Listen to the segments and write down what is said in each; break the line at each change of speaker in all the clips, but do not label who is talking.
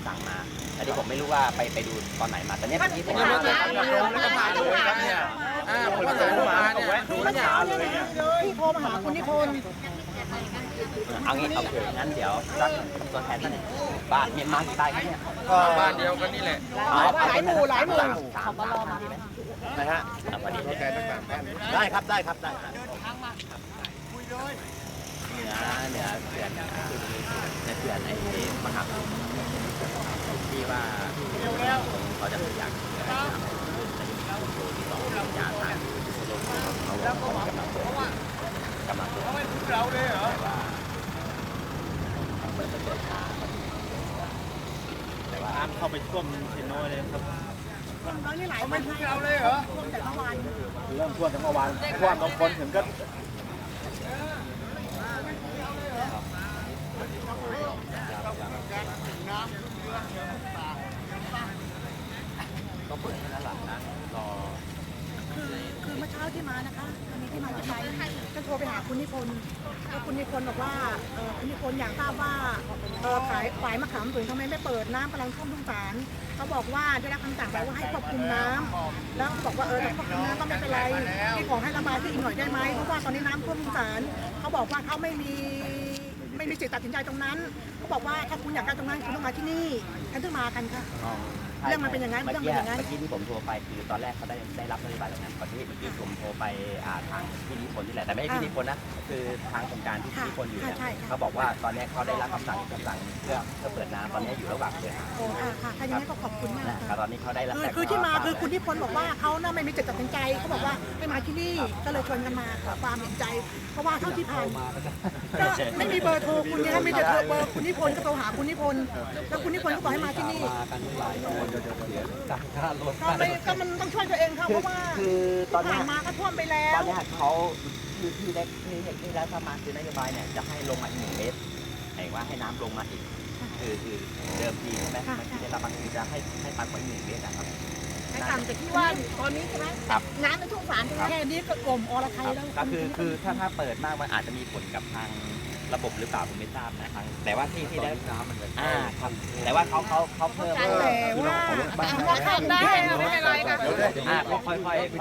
สั่งมาแต่ที่ผมไม่รู้ว่าไปดูตอนไหนมาแต่เนี้ยที่ผมมา
แล้วก็มาด้วยครับเนี่ยผมก็เลยมาเนี่ยดูแล้วยาวเลยเนี่ย
พี่โทรมาหาคุณนิพนธ์
เอางี้เอางั้นเดี๋ยวสักตัวแทนท่านบ้านเมียนมากี่บ้านครับเนี่ย
ก็บ้านเดียวกันนี่แหละ
หลายหมู่
เขาก็รอมาดีไหมนะฮะพอดี
แกตั้งแต่แม่
ได้ครับได้ครับได้ครับเหนือเขื่อนในเขื่อนไอ้มหาที่ว่าเขาจะอยากที่สองยาทางเขากำลังเราเลยเหรอน้ำเข้าไปท่วมเซโน่เลยครับ
ตอนนี้ไหล
ไม่ทุกเราเลยเหรอ
ท่วมแต่เมื่อวาน
เริ่มท่วมตั้งเมื่อวานท่วมบางคนถึงก็ก็เปิดแค่นั้นหลังนะรอ
คือเมื่อเช้าที่มานะคะวันนี้ที่มาจะไปก็โทรไปหาคุณนิพนธ์แล้วคุณนิพนธ์บอกว่าคุณนิพนธ์อยากทราบว่าฝ่ายมะขามถึงทำไมไม่เปิดน้ำกำลังท่วมทุ่งสารเขาบอกว่าได้รับคำสั่งไปว่าให้ควบคุมน้ำแล้วเขาบอกว่าถ้าควบคุมน้ำก็ไม่เป็นไรที่ขอให้ระบายที่อีกหน่อยได้ไหมเพราะว่าตอนนี้น้ำท่วมทุ่งสารเขาบอกว่าเขาไม่มีสิทธิ์ตัดสินใจตรงนั้นเขาบอกว่าถ้าคุณอยากได้ตรงนั้นคุณต้องมาที่นี่ฉันถึงมากันค่ะเรื่องมันเป็นอย่างนั้นเรื่องมันเป็นอย่างนั้น
เมื่อกี้ที่ผมโทรไปคือตอนแรกเขาได้รับนโยบายแล้วนะก่อนที่เมื่อกี้ผมโทรไปทางพี่นิพนธ์นี่แหละแต่ไม่ใช่พี่นิพนธ์นะคือทางโครงการที่พี่นิพนธ์อยู่เนี่ยเขาบอกว่าตอนนี้เขาได้รับคำสั่งเพื่อเปิดน้ำตอนนี้อยู่ระหว่างเปิดน้ำ
โอ้ค่ะถ้าอย่างนี้ก็ขอบคุณมาก
ค่ะตอนนี้เขาได้รับ
คือที่มาคือคุณนิพนธ์บอกว่าเขาน่าไม่มีจิตตัดสินใจเขาบอกว่าให้มาที่นี่ก็เลยชวนกันมาขอความเห็นใจ เพราะว่าเท่าที่ผ่านก็ไม่มีเบอร์โทรคุณเนี่ยไม่จะโทรเบอร์คุณนิพนธ์ก็โทรหาคุณนิพนธ์แล้วคุณนิพนธ์ก็บอกให้มาที่นี่ก็มันต้องช่วยตัวเองค่ะเพราะว่า
คือตอนนี้
ผ่านมาก็ท่วมไปแล้ว
ตอนนี้เขาคือที่ได้ที่แล้วถ้ามาคือนโยบายเนี่ยจะให้ลงมาอีก1 เมตรหมายว่าให้น้ำลงมาอีกคือเดิมทีใช่ไหมที่ได้รับบางทีจะให้ปักไว้1 เมตรนะครับ
ให้ต่ำจากที่ว่าตอนนี้ใช่ไหม
ครับ
น้ำในทุ่งสารแค่นี้ก็กลมอรไทยแล้ว
ก็คือถ้าเปิดมากมันอาจจะมีผลกับทางระบบหรือเปล่าผมไม่ทราบนะครับแต่ว่าที่ได้น้ำมันครับแต่ว่าเขาเพิ่ม
แต่ว่าทำได้ไม่เป็นไรค่ะ
ค่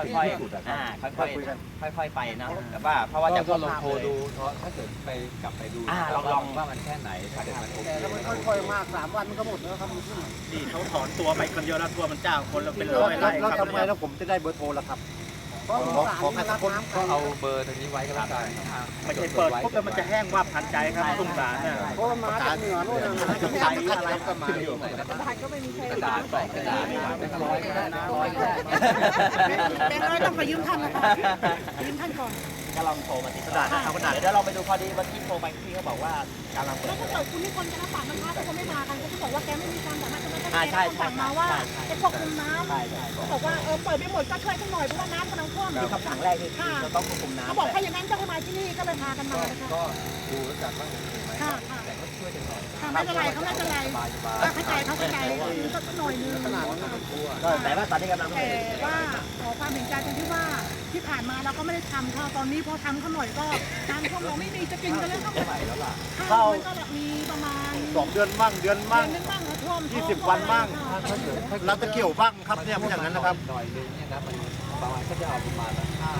อยๆไปนะแต่ว่าเพราะว่าจะลองโทรดูถ้าเกิดไปกลับไปดูลองว่ามันแค่ไหนถ้าเกิดมันโอเค
แล้วมันค่อยๆมาก3 วันมันก็หมดแล้วครับ
นี่เขาถอนตัวไปคนเดียวแล้วตัวมันจ้างคนละเป็นร้อยไร่
แล้ว
ครับ
ทำไมแล้วผมจะได้เบอร์โทรล่ะครับขอแค่สักคนก็เอาเบอร์ตรงนี้ไว้ก็แล้วกัน
ไม่ใช่เปิดปุ๊บแล้วมันจะแห้งว่าพันใจครับสงสารน่ะ
เพราะมันมาจากเหนือโน่นนะใจอะไรก็มาอยู่
ก็ไม่มีใคร
กระดาษ2 กระดาษร้อยก็ได้นะ100ก็ได้
แบงค์ร้อยต้องไปยืมท่านนะคะยืมท่านก่อน
ก็ลองโทรมาติดกระดาษเอากระดาษเดี๋ยวเราไปดูพอดีวันที่โทรไปพี่เขาบอกว่าการลองเปิ
แล้
ด
วถ้าเกิดคุณนิพนธ์จะรับปากนะคะถ้าเขาไม่มากันก็จะบอกว่าแกไม่มีการสามารถจะมา
ใช่
สั่งมาว่าไอ้ควบคุมน้ำ
ใช่
บอกว่าเปิดไม่หมดก็ช่วยสักหน่อยเพราะว่าน้ำกำลังท่วม
คือคำสั่งแรกคือเราต้องควบคุมน้ำ
เขาบอกถ้าอย่างนั้นก็ให้มาที่นี่ก็เลยพากันมานะคะ
ก็ดูแล้วกันว่าโอเคไหม
ค่ะ
แต่ก็ช่วยกันหน่อย
ค่ะไม่เป็นไรเขาไม่เป็นไรเข้าใจเขาเข้าใจสักหน่อยนึง
ขนาดนั้นก็กลัว
แต่ว่าตอนนี้กำลัง
แต่ว่าขอความเห็นใจตรงที่ว่าที่ผ่านมาเราก็ไม่ได้ทำค่ะตอนนี้พอทำเขาหน่อยก็ทางพวกเราไม่มีจะกินกันแล้วก็ข้าวมันก็มีประมาณ
2 เดือนมั่งเดือนมั่ง
นึงบ้างนะท่วม
20 วันมั่งเราจะเกี่ยวบ้างครับเนี่ยมันอย่างนั้นนะครับ
หน่อยนึงเนี่ยนะมันประมาณก็จะเอาประมาณ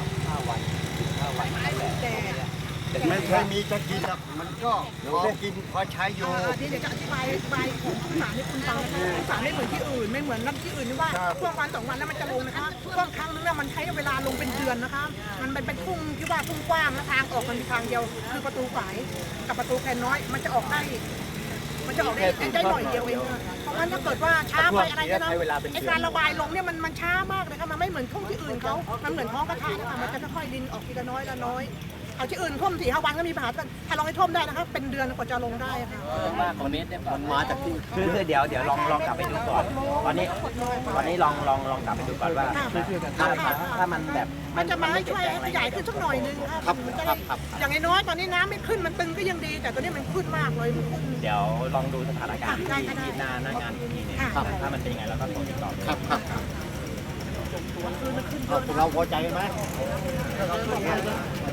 5 วัน5 วันนั่นแหละ
แต่
ไม่เคยมีจะกินหรอกมันก็พอกินพอใช้อยู่
เดี๋ยวจะอธิบายของสารให้คุณฟังนะคะสารไม่เหมือนที่อื่นไม่เหมือนน้ำที่อื่นที่ว่าช่วงวัน2 วันแล้วมันจะลงนะคะช่วงครั้งนึงเนี่ยมันใช้เวลาลงเป็นเดือนนะคะมันเป็นทุ่งที่ว่าทุ่งกว้างและทางออกมันมีทางเดียวคือประตูฝายกับประตูแคนน้อยมันจะออกได้หน่อยเดียวเองเพราะว่าถ้าเกิดว่าช้าไปอะไรก็นะไอการระบายลงเนี่ยมันช้ามากเลยค่ะมันไม่เหมือนทุ่งที่อื่นเขามันเหมือนท้องกระทะนะคะมันจะค่อยๆดินออกทีละน้อยละน้อยเอาที่อื่นท่วม4-5 วันก็มีปัญหาถ้าลองให้ท่วมได้นะคะเป็นเดือนกว่าจะลงได้ค่ะ
ว่าคอมเมนต์เนี่ยมันมาจากที่คือเดี๋ยวลองกลับไปดูก่อนตอนนี้ลองกลับไปดูก่อนว่าถ้ามันแบบ
มันจะมาให้ช่วยให้ขยายขึ้นสักหน่อยนึงครับอย่างน้อยตอนนี้น้ำไม่ขึ้นมันตึงก็ยังดี แต่ตอนนี้มันขึ้นมากเลยมันขึ้น
เดี๋ยวลองดูสถานการณ์ที่หน้างานที่นี่เนี่ยถ้ามันเป็นยังไงเราก็โทรติดต่อ
ครับเราพอใจกันไหม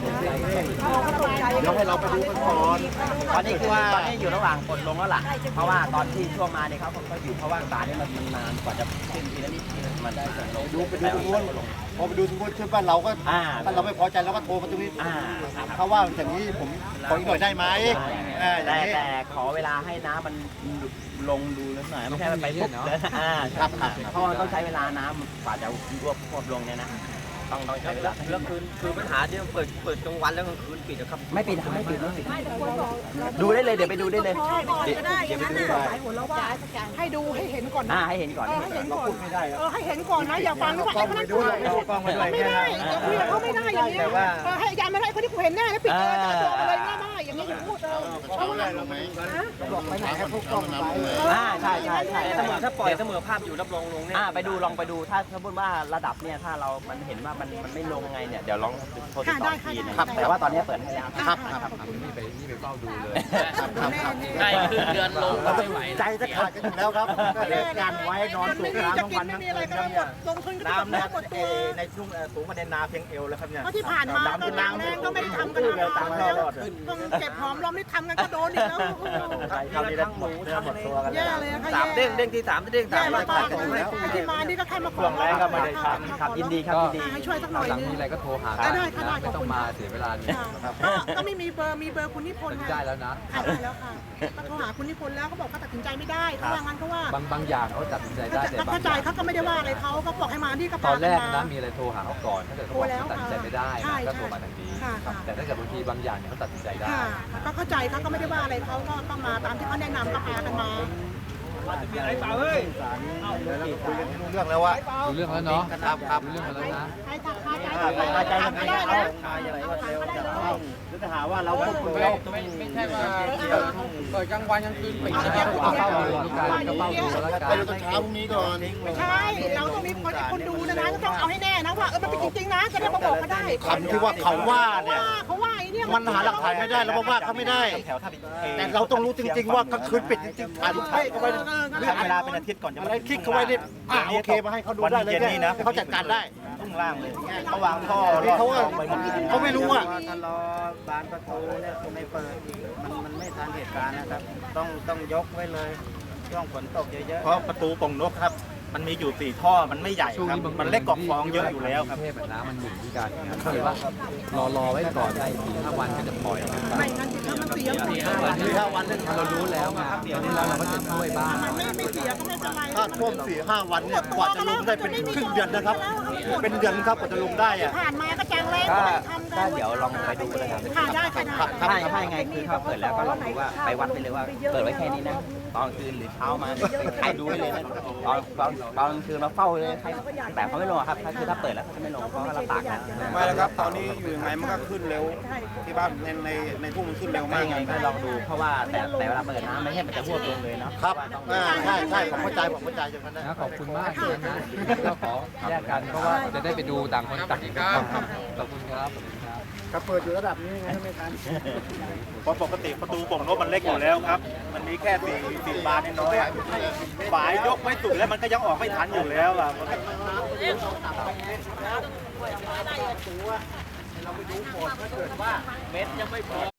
เดี๋ยวให้เราไปดูกันก่อน
ตอนนี้คือว่าตอนนี้อยู่ระหว่างกดลงแล้วล่ะเพราะว่าตอนที่ช่วงมาเนี่ยเขาก็อยู่เพราะว่าสารนี่มันนานกว่าจะขึ้นทีละนิดทีละมันได้ลง
ไปดูตรงนู้นพอไปดูตรงนู้นขึ้นบ้านเราก็ถ้าเราไม่พอใจเราก็โทรมาตรงนี้เขาว่าอย่างนี้ผมขออีกหน่อยได้ไหม
แต่ขอเวลาให้น้ำมันลงดูนิดหน่อยไม่ใช่ไปปุ๊บเลยครับเพราะต้องใช้เวลาน้ำกว่าจะรวบลงเนี่ยนะต้องใช้เวลาแล้วคือปัญหาที่เปิดกลางวันแล้วกลางคืนปิดนะครับไม่ปิดดูได้เลยเดี๋ยวไปดูได้เลย
ก็ได้อย่างนั้นน่ะให้ดูให้เห็นก่อนนะ
ให้เห็นก่อน
ให้เห็นก่อนให้เห็นก่อนนะอย่าฟังว่าไอ้คนนั้นไม่ได้คุยกับเขาไม่ได้อย่างนี้ให้ยายไม่ได้คนที่กูเห็นแน่แล้วปิดเลยจะโดนอะไรง่ายๆอย่างนี้อย่าพูดเขาอะไรหรอไหมบอกไปไหนให้พวกกล้องไป
ใช่ถ้าปล่อยเสมอภาพอยู่รับรองลงเนี่ยไปดูลองไปดูถ้าสมมติว่าระดับเนี่ยถ้าเรามันเห็นว่ามันไม่ลงไงเนี่ยเดี๋ยวลองโทรติดต่อทีนะครับแต่ว่าตอนนี้เปิดให้แล้วครับ
นี่ไปเฝ้าดูเลย
ได้ครึ่งเดือนลงไม่ไหว
ใจจะขาดกันอยู่แล้วครับการไว้นอนสูบน้ำทั้งวันทั้งคืนเนี่ยน้ำเนี่ยในช่วงสูงประเด็นนาเพียงเอวแล้วครับเนี่ย
ที่ผ่านมาก็น้ำแรงก็ไม่ได้ทำกันแล้วต้องเก็บหอมรอมไม่ทำกันก็โดนอีกแล้ว
คราวนี้ทั้งหมูทั้งหมดตัวกัน
แย่เลยค่ะ
3 เด้งที่ 3 เด้ง
แย่มากๆที่มานี่ก็แค่มาขอ
แรงก็ไม่ได้ทำ
ครับยินดีครับยินดี
ให้ช่วยสักหน่อย
หลัง
นึง
มีอะไรก็โทรหา
ได้
ไม่ต้องมาเสียเวลานี่
ก็ไม่มีเบอร์คุณนิพนธ์
ได้แล้วนะ
ได้แล้วค่ะก็โทรหาคุณนิพนธ์แล้วเขาบอกเขาตัดสินใจไม่ได้เขาว่างั้นเขาว่า
บางอย่างเขาตัดสินใจได้แต่บาง
เข้าใจเขาก็ไม่ได้ว่าอะไรเขาก็บอกให้มาที่กระ
ต
เป๋า
อนแรกนะมีอะไรโทรหาเขาก่อนถ้าเกิดเขาบอกเขาตัดสินใจไม่ได้ก็โทรมาทางนี้แต่ถ้าเกิดบางทีบางอย่างเนี่ยเขาตัดสินใจได้
ก็เข้าใจเขาก็ไม่ได้ว่าอะไรเขาก็มาตามที่เขาแนะนำก็พากันมา
มีอะไรเปล่าเฮ้ย
คุยกันรู้เรื่องแล้วว่า
รู้เรื่องแล้วเนาะ
ครับ
รู้เรื่องแล้วนะ
ใครทักคาใจทำไม่ได้นะ
จะหาว่าเราควบคุมเราไม่ใช่ว่า
เปิดกลางวันกลางคืนปิดเฝ้าดูก็เฝ้าดูแล้วกัน
ไปดูตอนเช้าพรุ่งนี้ก่อน
ใช่เราต้องมีคนดูนะก็ต้องเอาให้แน่นะว่ามันเป็นจริงๆนะจะได้มาบอกเขาได้
คำที่ว่าเขาว่าเนี่ย
เขาว่าไอ้เนี่ย
มันหาหลักฐานไม่ได้เราบอกว่าเขาไม่ได้ แต่เราต้องรู้จริงๆว่ากลางคืนปิดจริงๆถ่ายรูปให้เขาไว้เวลาเป็นอาทิตย์ก่อนจะอะไรคลิกเขาไว้ดิโอเคมาให้เขาดูได้เลยเนี่ยเขาจัดการได้
ข้างล่างเลยเขาวางท่อ
เขาไม่รู้อ่ะ
ถ้ารอบานประตูเนี่ยไม่เปิดมันไม่ทันเหตุการณ์นะครับต้องยกไว้เลยช่วงฝนตกเยอะๆ
เพราะประตูป่องนกครับมันมีอยู่4 ท่อมันไม่ใหญ่ครับมันเล็กกว่าฟองเยอะอยู่แล้วครับ
เทพน้ำมันหมุนที่การก็เลยว่ารอไว้ก่อนได้4-5 วันก็จะปล่อย
ไม่งั้นถ้ามันเสีย
4-5 วัน
เรารู้แล้วไงตอนนี้เราก็จะช่วยบ้าง
มันไม่เสียก็ไม่เป็นไร
ถ้าท่วม 4-5 วันเนี่ยกว่าจะลงได้เป็นครึ่งเดือนนะครับเป็นเดือนครับกว่าจะลงได้อ่ะ
ผ่านมาก็จังเลยทำกัน
เดี๋ยวลองไปดูเลยครับ
ค่ะได้ค่ะได้
ถ้ายังไงคือถ้าเปิดแล้วก็ลองดูว่าไปวัดไปเลยว่าเปิดไว้แค่นี้นะตอนคืนหรือเช้ามาใครดูไว้เลยนะตอนคืนมาเฝ้าเลยใครแต่เขาไม่ลงครับคือถ้าเปิดแล้วเขาไม่ลงเพราะเราตากนะ
ไม่แล้วครับตอนนี้อยู่ยังไงมันก็ขึ้นเร็วที่บ้านในทุ่งมันขึ้นเร็ว
ไม่
มาก
ยังไงก็ลองดูเพราะว่าแต่เวลาเปิดน้ำไม่ใช่มันจะพวดลงเลยเนาะ
ครับใช่ผมเข้าใจอย่างนั้นนะ
ขอบคุณมากเลยนะก็ขอแยกกันเพราะว่าจะได้ไปดูต่างคนต่างอีกครับขอบคุณครับ
ครับเปิดอยู่ระดับนี้ไงไม่ทัน
เพราะปกติประตูป่องนกมันเล็กอยู่แล้วครับมันมีแค่4 บานน้อยๆฝายยกไม่สุดแล้วมันก็ยังออกไม่ทันอยู่แล้วอ่ะ
เม็ดยังไม่พอ